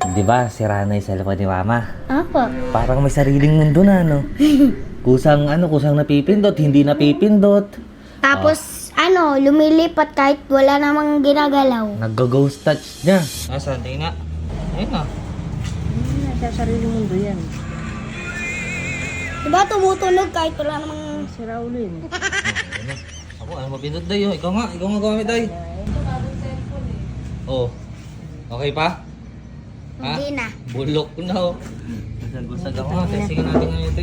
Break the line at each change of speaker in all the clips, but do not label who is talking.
Di ba, sira na yung cellphone ni Mama.
Opo.
Parang may sariling mundo na, no? Kusang napipindot, hindi napipindot.
Tapos, lumilipat kahit wala namang ginagalaw.
Nag-ghost touch niya. Nasaan? Tingin nga. Ayun na.
Nasa sariling mundo yan.
Diba tumutunog kahit wala namang...
Sira ulo yun.
Ako, mapindot dayo. Ikaw nga gamit dayo. Oh. Okay pa? Ha?
Hindi na.
Bulok na, oh. Gusag ako nga. Testingin natin ngayon.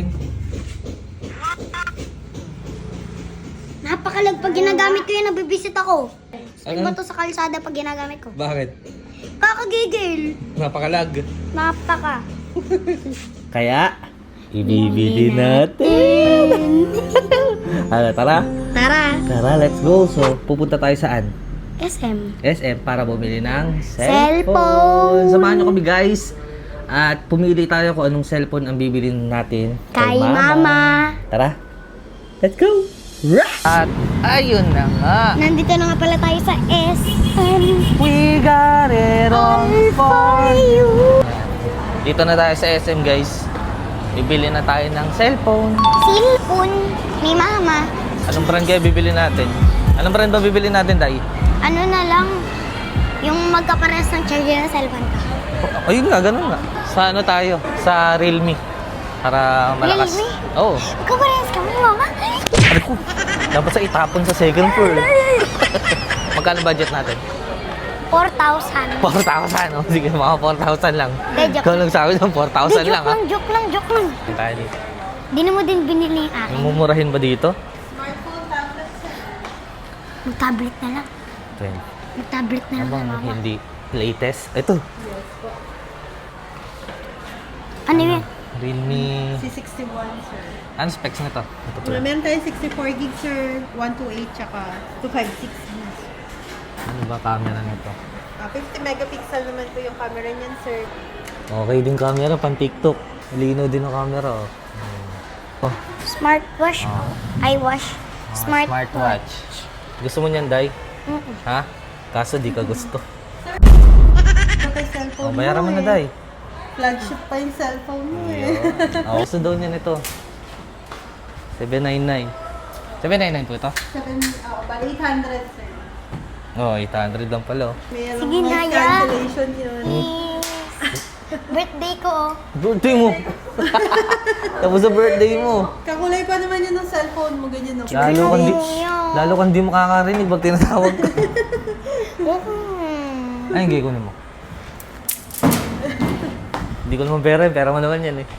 Napakalag pag ginagamit ko yun, nabibisit ako.
Ano?
Ano? To sa kalsada pag ginagamit ko.
Bakit?
Kakagigil.
Napakalag.
Napaka.
Kaya, ibibili natin. Tara.
Tara.
Let's go. So, pupunta tayo saan?
SM.
SM para bumili ng
Cellphone.
Samahan nyo kami, guys. At pumili tayo kung anong cellphone ang bibilin natin
Kay Mama.
Tara. Let's go. At ayun na nga.
Nandito na nga pala tayo sa SM.
We got it all for you. Dito na tayo sa SM, guys. Bibili na tayo ng cellphone.
Cellphone ni Mama.
Anong brand kaya bibili natin? Anong brand ba bibili natin, Day?
Ano na lang, yung magkapares ng charger ng cellphone ka.
Ayun nga, ganun nga. Sa ano tayo? Sa Realme. Para malakas.
Realme?
Oo.
Magkapares ka mo, Mama.
Ano ko? Dapat sa itapon sa second floor. Magkano budget natin?
4,000.
4,000. Oh. Sige, mga 4,000 lang.
Hindi, joke
Ikaw lang sabi ng 4,000 lang, ha?
Joke lang.
Ang tayo dito.
Di na mo din binili yung akin.
Mumurahin ba dito?
Mag-tablet na lang.
20.
Mag-tablet na lang,
Abang
Mama.
hindi latest. Ito.
Ano yun?
Realme.
C61, sir.
Ano specs nito? Ito pala.
Meron tayo 64 gig, sir. 128, tsaka 256 gig.
Ano ba camera nito?
50 megapixel naman po yung camera niyan, sir.
Okay din camera, pan TikTok. Lino din ang camera, oh. Oh.
Smartwatch. iWatch.
Smartwatch. Gusto mo niyan, Day? Ha? Kaso di ka gusto.
Ito kay cellphone
Bayaran mo na,
eh.
Day.
Flagship pa yung cellphone mo eh.
Gusto daw niya nito. 799. 799 po ito?
Bali 800, sir.
Oh, 800 lang pala, oh.
Mayroong
Sige na,
noise
ya.
cancellation yun.
Birthday ko, oh.
Birthday mo! Tapos sa birthday mo.
Kakulay pa naman yun ng cellphone mo, ganyan no?
Lalo kang di makakarinig pag tinatawag ko.
Mm.
Ay, hindi ko mo. Hindi ko naman pera mo naman yan eh.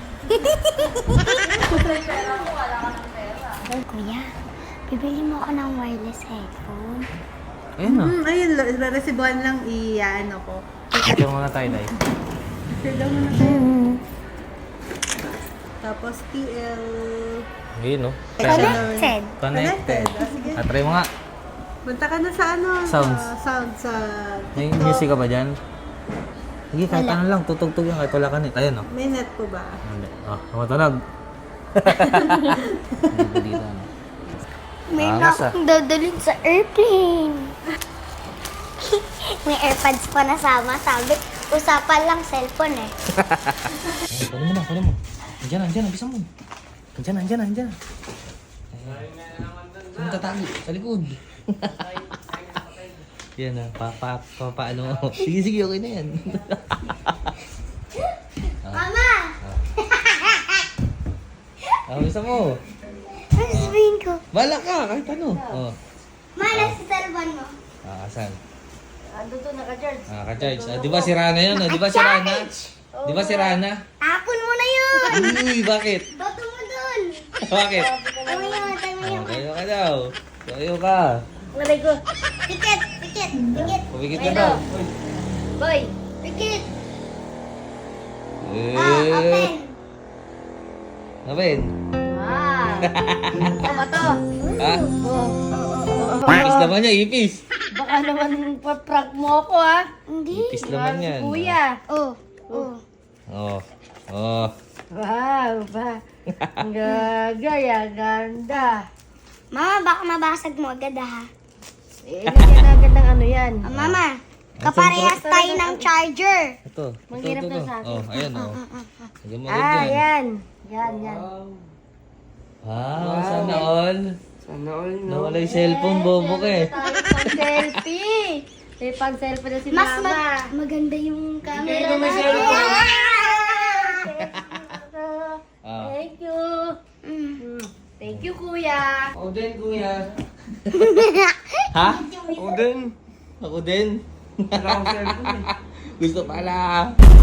Kuya, bibili mo ako ng wireless headphone.
Ayun na.
Ayun, resibuan lang i-ano ko.
Ito muna tayo, Day.
Sir, daw muna tayo. Tapos TL...
Ayun, no?
Connected.
Connected.
Sige.
Try mo nga.
Punta ka na sa ano?
Sounds.
Sound sa
May
TikTok.
music ka ba dyan? Sige, kahit ano lang. Tutugtog yan kahit wala ka net. Ayun, no?
May net po ba?
Hindi. Tumatunog. Hindi dito, ano?
May
Angas,
na akong dadalhin sa airplane. May AirPods pa nasama. Sabi, usapan lang cellphone eh.
Kunin mo. Andiyan, bisa mo. Andiyan. Saan tatali? Sa likod. Yan na, paano. Sige, okay na yan.
Mama!
Bisa mo.
Ano sabihin ko?
Bala ka, kahit ano. Oh.
Mana sa cellphone mo?
Saan?
Doon naka-charge.
Ka-charge. Di ba si Rana yun? Di ba si Rana? Di ba si Rana?
Tapon mo na yun!
Uy, bakit?
Toto mo dun!
Bakit?
Tayo mo yun.
Kayo ka daw. Kayo ka.
Aray ko. Tikit!
Pumikit ka daw.
Boy! Tikit!
Eh. Open.
Tama to.
Ha? Ipis naman niya, ipis.
Baka naman pa-prank mo ako ha.
Hindi.
Ipis naman yan.
Kuya.
Oh.
Oh.
Wow, ba? Ang gagaya, ganda.
Mama, baka mabasag mo agad ha.
Lagyan agad ng ano yan.
Mama, Kaparehas tayo ng charger.
Ito.
Manghirap
ito.
na sa akin.
Oh, ayan oh. Lagyan mo agad
Ah,
dyan.
yan. Yan, yan.
Wow, sana all.
Sana all, no?
Nawala yung cellphone, bobo ka eh.
Pang selfie. May pang selfie na si
Mas
Mama.
maganda yung camera
Kaya may
natin.
cellphone.
Ah.
Thank you. Thank you, Kuya.
Ako din, kuya.
Ha?
Ako din.
Ako din.
Wala akong cellphone eh.
Gusto pala.